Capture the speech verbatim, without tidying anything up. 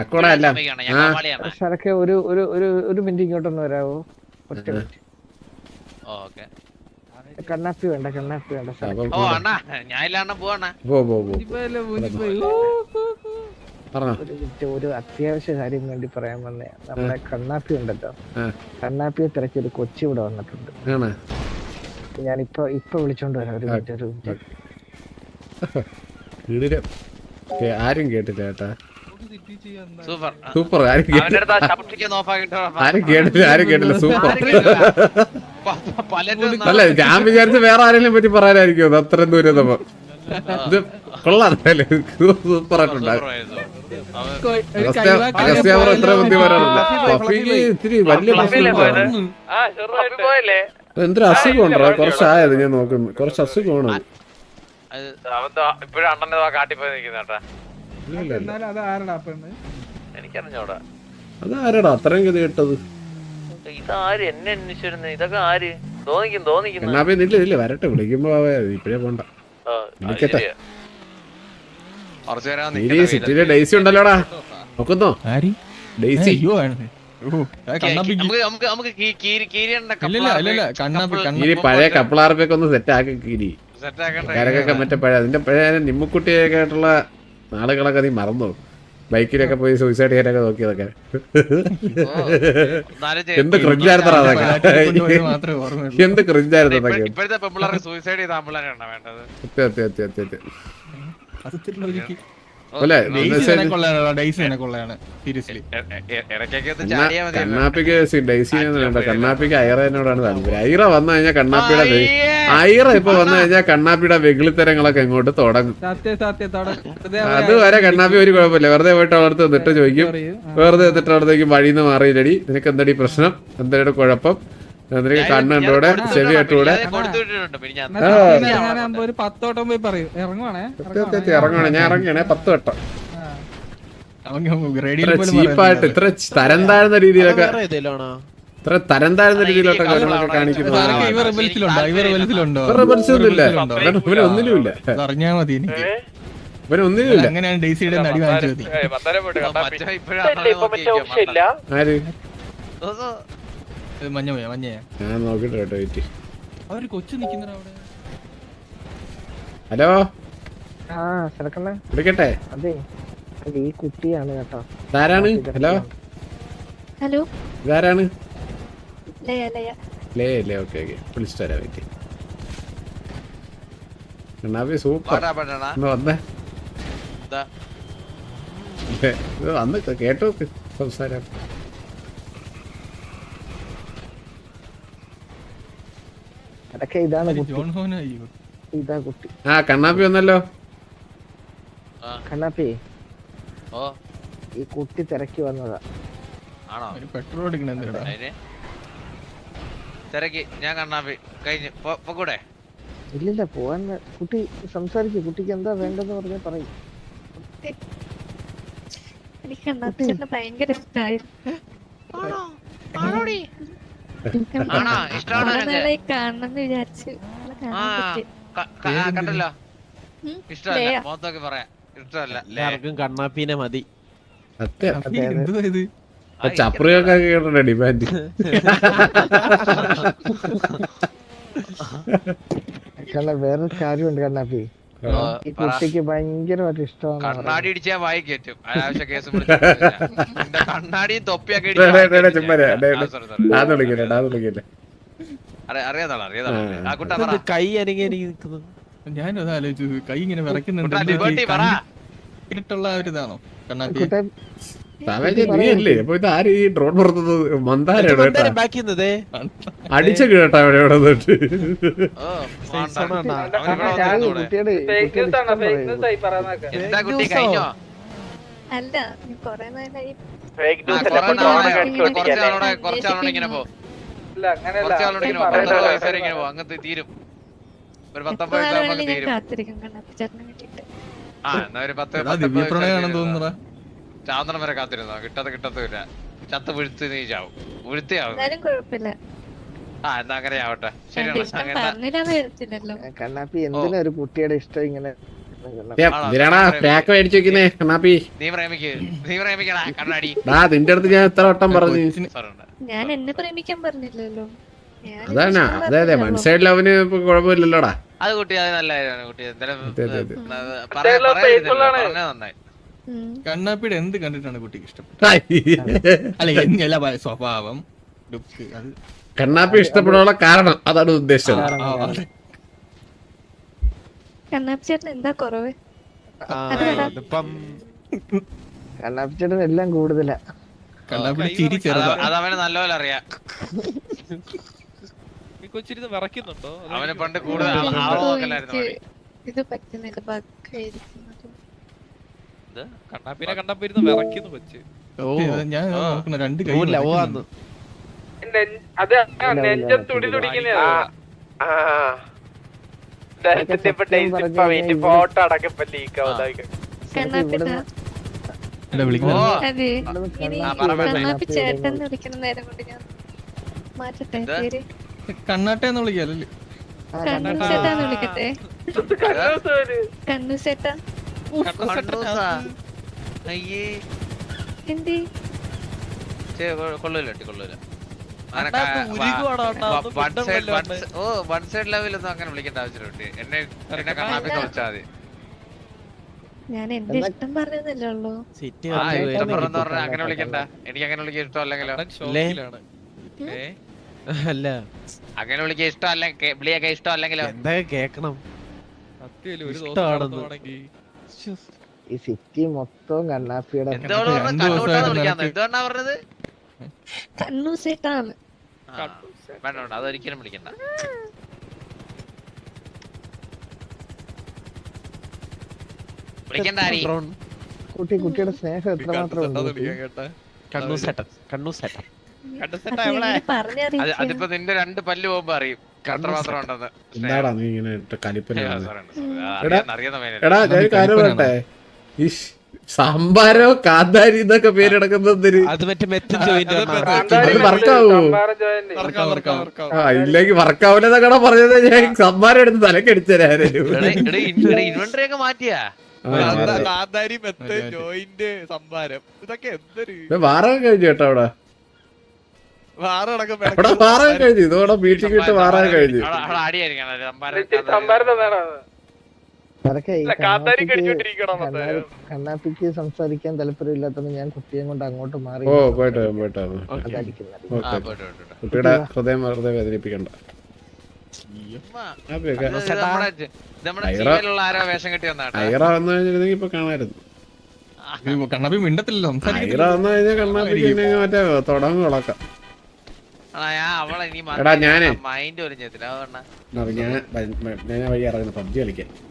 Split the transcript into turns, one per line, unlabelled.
ശരക്കെ ഒരു ഒരു ഒരു ഒരു മിനിറ്റ് ഇങ്ങോട്ടൊന്ന് വരാവോ? ഒറ്റ മിനിറ്റ്. കണ്ണാപ്പി വേണ്ട, കണ്ണാപ്പി വേണ്ട. ഒരു അത്യാവശ്യ കാര്യം വേണ്ടി പറയാൻ വന്നേ. നമ്മുടെ കണ്ണാപ്പി ഉണ്ടല്ലോ, കണ്ണാപ്പിയെ തിരക്കി ഒരു കൊച്ചി ഇവിടെ വന്നിട്ടുണ്ട്. ഞാൻ ഇപ്പൊ ഇപ്പൊ വിളിച്ചോണ്ട് വരാം. ഒരു മിനിറ്റ്, ഒരു മിനിറ്റ്.
ആരും കേട്ടില്ല ചേട്ടാ. സൂപ്പർ. ആരും കേട്ടില്ല, ആരും കേട്ടില്ല, ആരും കേട്ടില്ല. സൂപ്പർ. അല്ല, ഞാൻ വിചാരിച്ച വേറെ ആരെങ്കിലും പറ്റി പറയാനായിരിക്കും അത്രയും ദൂരം. നമ്മ ഇത് കൊള്ളാം, സൂപ്പർ ആയിട്ടുണ്ട്. എത്ര ബുദ്ധി വരാറില്ല. പഫിക്ക് ഇത്തിരി വലിയ പ്രശ്നം. എന്തൊരു അസുഖമുണ്ടോ? കുറച്ചായത് ഞാൻ നോക്കുന്നു. കുറച്ച് അസുഖമാണ്.
ഇപ്പഴും അണ്ണനെ കാട്ടിപ്പോയി നിൽക്കുന്നേട്ടാ.
അതാരടാ അത്രയും ഗതി കേട്ടത്?
ഇതാര് എന്നെ അന്വേഷിച്ചിരുന്നു? ഇതൊക്കെ ആര്? തോന്നിക്കും തോന്നിക്കുന്നു.
എന്നാ നില്ല ഇല്ല വരട്ടെ, വിളിക്കുമ്പോ ഇപ്പഴേ പോണ്ട. സിറ്റിയിലെ ഡെയ്സി ഉണ്ടല്ലോടാ, നോക്കുന്നോ? ഡെയ്സി പഴയ കപ്പിളാർപ്പൊക്കെ ഒന്ന് സെറ്റ് ആക്കി കീരി കരകൊക്കെ മറ്റേ പഴയ അതിന്റെ പഴയ നിമ്മുക്കുട്ടിയൊക്കെ ആയിട്ടുള്ള നാളുകളൊക്കെ നീ മറന്നു. ബൈക്കിലൊക്കെ പോയി സൂയിസൈഡ് ചെയ്യാനൊക്കെ നോക്കിയതൊക്കെ എന്ത് ക്രിഞ്ചായിരുന്നു അതൊക്കെ, എന്ത് ക്രിഞ്ചായിരുന്നു അതൊക്കെ. കണ്ണാപ്പിക്ക് ഡെയ്സിനെ വേണ്ട, കണ്ണാപ്പിക്ക് ഐറനോടാണ് താല്പര്യം. ഐറ വന്നു കഴിഞ്ഞാൽ കണ്ണാപ്പിയുടെ ഐറ ഇപ്പൊ വന്നു കഴിഞ്ഞാൽ കണ്ണാപ്പിയുടെ വെകിളിത്തരങ്ങളൊക്കെ ഇങ്ങോട്ട് തുടങ്ങും. അതുവരെ കണ്ണാപ്പി ഒരു കുഴപ്പമില്ല, വെറുതെ പോയിട്ട് അവിടുത്തെ നിന്നിട്ട് ചോദിക്കും, വെറുതെ എന്നിട്ട് അവിടത്തേക്ക് വഴിന്ന് മാറിയില്ലടി, നിനക്ക് എന്തടി പ്രശ്നം, എന്താണ് കുഴപ്പം, നിനക്ക് കണ്ണുണ്ടൂടെ ചെവി കെട്ടൂടെ ഇറങ്ങണേ. ഞാൻ ഇറങ്ങണേ പത്ത് വട്ടം. ചീപ്പായിട്ട് ഇത്ര തരം താഴ്ന്ന രീതിയിലൊക്കെ ഇത്ര തരം താഴ്ന്ന രീതിയിലൊക്കെ കാര്യങ്ങളൊക്കെ കാണിക്കുന്നത് ഒന്നുമില്ല. ഇവനൊന്നിലുമില്ല, ഇവനൊന്നിലുമില്ല. ആര് ഞാൻ നോക്കിട്ട് കേട്ടോ. വെയിറ്റ്. ഹലോ, വിളിക്കട്ടെ?
അതെ, ഈ കുട്ടിയാണ് കേട്ടോ.
ഇതാരാണ്? ഹലോ
ഹലോ,
ഇതാരാണ്?
ലേ
ലേ ഓക്കെ ഓക്കെ, വിളിച്ചിട്ട് തരാം. വെയിറ്റ്. കണ്ണാപ്പി സൂപ്പർ. വന്നേ വന്ന് കേട്ടോ സംസാരം.
അതൊക്കെ ഇതാണ് കുട്ടി, ഇതാ കുട്ടി.
ആ കണ്ണാപ്പി വന്നല്ലോ.
കണ്ണാപ്പി ഈ കുട്ടി തിരക്കി വന്നതാ.
പെട്രോൾ തിരക്കി ഞാൻ കണ്ണാപ്പി കഴിഞ്ഞു കൂടെ.
ഇല്ലില്ല, പോവാൻ കുട്ടി സംസാരിക്കും. കുട്ടിക്ക് എന്താ വേണ്ടെന്ന് പറഞ്ഞാ പറയും.
എനിക്ക് കണ്ണാപ്പിച്ചേട്ടനെ ഭയങ്കര ഇഷ്ടമായിരുന്നു. കാണണമെന്ന് വിചാരിച്ചു.
കണ്ടല്ലോ, ഇഷ്ടമല്ല മൊത്തമൊക്കെ പറയാം, ഇഷ്ടമല്ല. എല്ലാവർക്കും കണ്ണാപ്പീനെ മതി.
ചപ്രിയൊക്കെ കേട്ടോ ഡിമാൻഡ്.
വേറൊരു കാര്യമുണ്ട് കണ്ണാപ്പി, ഈ കുട്ടിക്ക് ഭയങ്കരമായിട്ട് ഇഷ്ടമാണ്.
കണ്ണാടി ഇടിച്ചാ വായി കയറ്റും. അനാവശ്യ കേസ് കണ്ണാടിയും തൊപ്പിയൊക്കെ അറിയാതാളെ കൈ അനങ്ങി നിൽക്കുന്നു. ഞാനും ആലോചിച്ചു, കൈ ഇങ്ങനെ വിറയ്ക്കുന്നുണ്ട്. ഒരിതാണോ കണ്ണാടി?
നീയല്ലേ അപ്പൊ ഇത് ആര് ഈ ഡ്രോൺ പുറത്തത്? മന്ദാരാണ് അടിച്ച കേട്ടാ അവിടെ ഇവിടെ
അങ്ങനത്തെ തീരും. ഒരു പത്തൊമ്പത് ചാന്ദ്രൻ വരെ കാത്തിരുന്നോ? കിട്ടാത്ത കിട്ടത്തില്ല. ചത്ത് വീഴ്ത്തി നീ ചാവും. വീഴ്ത്തിയാവും. ആ എന്നാ അങ്ങനെ ആവട്ടെ. ശരിയാണ്.
കണ്ണാപ്പി എന്തിനാ ഒരു കുട്ടിയുടെ ഇഷ്ടം ഇങ്ങനെ
എന്തിനാടാ പാക്ക് മേടിച്ചു വെക്കുന്നേ കണ്ണാപ്പി?
നീ പ്രേമിക്ക് നീ പ്രേമിക്കടാ കണ്ണാടി.
ഡാ നിന്റെ അടുത്ത് ഞാൻ എത്ര വട്ടം പറഞ്ഞു.
ഞാൻ എന്നെ പ്രേമിക്കാൻ പറഞ്ഞില്ലല്ലോ. ഞാൻ
അതാണ്
ഇഷ്ടം
അതെ അതെ
പറഞ്ഞല്ലോ.
വൺ സൈഡ് ലവിന് കുഴപ്പമില്ലല്ലോടാ.
അത് കുട്ടി അത് നല്ല കാര്യമാണ് കുട്ടി. എന്തായാലും
അതെ, അതെ, അതെ.
നന്നായി.
ഉം.
കണ്ണാപ്പിയുടെ എന്ത് കണ്ടിട്ടാണ് കുട്ടിക്ക് ഇഷ്ടപ്പെട്ടത്? അല്ല എല്ലാ സ്വഭാവം ലുക്ക് അത്
കണ്ണാപ്പി ഇഷ്ടപ്പെടാനുള്ള കാരണം അതാണ് ഉദ്ദേശിച്ചത്.
ആ, അതെ.
കണ്ണാപ്പി ചേട്ടൻ എന്താ കുറവ്? അത് പറ.
കണ്ണാപ്പിച്ചേട്ടൻ എല്ലാം കൂടുതലാ.
കണ്ണാപ്പിയുടെ ചിരി ചെറുതാ.
അത് അവന് നല്ലപോലെ അറിയാം.
കൊച്ചിരുന്ന് വിറയ്ക്കുന്നുണ്ടോ?
അവന് പണ്ട് കൂടുതൽ
ഓ,
ആള്
എനിക്ക്
നോക്കലായിരുന്നു പണി.
ഇത് പറ്റുന്നില്ല ബഗ്ഗായിരിക്കുന്നത്.
ഇത് കണ്ണാപ്പിനെ കണ്ടപ്പോ ഇരുന്ന് വിറയ്ക്കുന്നു കൊച്ച്.
ഞാൻ നോക്കുന്ന രണ്ട് കൈ
അത് നെഞ്ചം തുടി തുടിക്കുന്നതാ. Photo അടക്കപ്പോ leak ആവുന്നതായിരിക്കും.
കണ്ണാപ്പിട്ടാ
വിളിക്കുന്നത്.
ഓ,
അതെ ഇനി
ആ, പറ, പറ.
കണ്ണാപ്പി ചേട്ടൻ വിളിക്കുന്ന നേരം കൊണ്ട് ഞാൻ മാറ്റട്ടെ
എന്ത്?
പേര്.
കണ്ണാട്ടെന്ന് വിളിക്കാല്ലേ?
കണ്ണു ചേട്ടാന്ന് വിളിക്കട്ടെ? കണ്ണു ചേട്ടാ
കണ്ണൂസാ. അയ്യേ
എന്തേ?
ചേ, കൊ- കൊള്ളൂല കുട്ടി, കൊള്ളൂല. അങ്ങനെ
കണ്ണാപ്പി
ക-
ഉരുകുവാണോ അണ്ണാ?
വ-
ഒന്ന്
one
ഫുഡ്
side-
വല്ലതും
one
ഉണ്ട്.
side- ഓ വൺ സൈഡ് ലെവലൊന്നും അങ്ങനെ വിളിക്കേണ്ട ആവശ്യമില്ല. എന്നെ എന്നെ കണ്ണാപ്പിക്ക് വിളിച്ചാൽ മതി.
ഞാൻ എന്റെ ഇഷ്ടം പറഞ്ഞതല്ലേ ഉള്ളൂ.
ആ ഇഷ്ടം പറഞ്ഞെന്ന് പറഞ്ഞാൽ അങ്ങനെ വിളിക്കണ്ട. എനിക്ക് അങ്ങനെ വിളിക്കാൻ ഇഷ്ടമല്ലെങ്കിലോ?
അണ്ണൻ ഷോക്കിലാണ്. ഏ?
അല്ല
അങ്ങനെ വിളിക്കാൻ ഇഷ്ടമല്ല, വിളിയൊക്കെ ഇഷ്ടമല്ലെങ്കിലോ?
എന്താ കേക്കണം?
സത്യമല്ലേ, ഒരു ദിവസം
ഇഷ്ടമാണെന്ന്.
നടന്നുവാണെങ്കിൽ.
ഈ സിറ്റി മൊത്തവും കണ്ണാപ്പിയുടെ
എന്തോട് പറഞ്ഞു?
രണ്ട്
കണ്ണൂട്ടാന്ന്
ദിവസമായിട്ട്
വിളിക്കാന്ന്
നിനക്ക്
എന്തുകൊണ്ടാ പറഞ്ഞത്?
കണ്ണു ചേട്ടാണ്.
ആ, വേണ്ട വേണ്ട, അതൊരിക്കലും വിളിക്കണ്ട. വിളിക്കണ്ട ആരി.
കുട്ടി കുട്ടിയുടെ സ്നേഹം എത്രമാത്രം ഉണ്ട്
കണ്ണൂസേട്ടാന്ന്
കുട്ടി.
വിളിക്കാൻ കേട്ടാ.
കണ്ണൂസേട്ടൻ കണ്ണൂസേട്ടൻ
കണ്ണൂസേട്ടാ
അത്
എവിടെ?
എങ്ങനെ
അത്
പറഞ്ഞറിയിക്കാൻ?
അതിപ്പോ നിന്റെ രണ്ട് പല്ല് പോകുമ്പോ അറിയും എത്രമാത്രം ഉണ്ടെന്ന്.
എന്താടാ നീ ഇങ്ങനെ കലിപ്പന
ആ,
കാണുന്നത്?
sorry, sorry. ആ, അറിയാവുന്ന- അറിയാവുന്ന മേനല്ലേ.
എടാ ഞാൻ ഒരു കാര്യം പറയട്ടെ, ഈ സാമ്പാരോ കാന്താരി എന്നൊക്കെ പേരെടുക്കുന്നതിന്
അത് മറ്റേ മെത്തും ജോയിന്റ്
അത് വർക്കാവോ?
വർക്കാം, വർക്കാം, വർക്കാം.
ആ ഇല്ലെങ്കിൽ വർക്കാവില്ലെന്നൊക്കെ പറഞ്ഞത് ഞാൻ സംഭാരം എടുത്ത് തലക്കടിച്ചേരാനും.
എടാ, എടാ, ഇൻ- എടാ, inventory ഒക്കെ മാറ്റിയാ?
കാന്താ- കാന്താരി, മെത്ത്, ജോയിന്റ്, സംഭാരം, ഇതൊക്കെ എന്തൊരു
വാറൊക്കെ കഴിഞ്ഞു കേട്ടോ അവിടെ.
വാറടക്കം
അവിടെ വാറൊക്കെ കഴിഞ്ഞു. ഇതോടെ വീട്ടിൽ കിട്ട് വാറൊക്കെ കഴിഞ്ഞു.
അവിടെ- അവിടെ അടിയായിരിക്കണം. അത് സംഭാരം-
സംഭാരം തന്നെയാണ്.
അതൊക്കെ ഈ
കാന്താരി
കണ്ണാപ്പിക്ക്
കടിച്ചോണ്ടിരിക്കണം
കണ്ണാ- കണ്ണാപ്പിക്ക് സംസാരിക്കാൻ താല്പര്യമില്ലാത്തതുകൊണ്ട് ഞാൻ കുട്ടിയെ കൊണ്ട് അങ്ങോട്ട് മാറി
ഓ പോയിട്ട് വരാം, പോയിട്ട് വരാം.
അതടിക്കുന്നത്.
ആ,
ഓക്കെ
പോട്ടെ, പോട്ടെ, പോട്ടെ.
കുട്ടിയുടെ ഹൃദയം വെറുതെ വേദനിപ്പിക്കണ്ട.
ചുമ്മാ.
ഹാപ്പിയൊക്കെ.
ഇത് ഇത് നമ്മുടെ ഇത് നമ്മുടെ
ഐറ-
സീരിയലുള്ള ആരോ വേഷം കെട്ടി വന്നാട്ടാ.
ഐറ വന്നു കഴിഞ്ഞിരുന്നെങ്കിൽ ഇപ്പൊ കാണായിരുന്നു.
കണ്ണാപ്പി മിണ്ടത്തില്ലല്ലോ,
ഐറ
സംസാരിക്കത്തില്ല.
വന്നു കഴിഞ്ഞാൽ കണ്ണാപ്പിക്ക് മറ്റേ തുടങ്ങും വിളക്കാം.
ആ, ഞാൻ അവളെ ഇനി
എടാ, ഞാനേ-
മൈൻഡ് പോലും ചെയ്യത്തില്ല. അതുകൊണ്ടാ
ഞാൻ ഞാൻ വഴി ഇറങ്ങുന്ന പബ്ജി കളിക്കാൻ.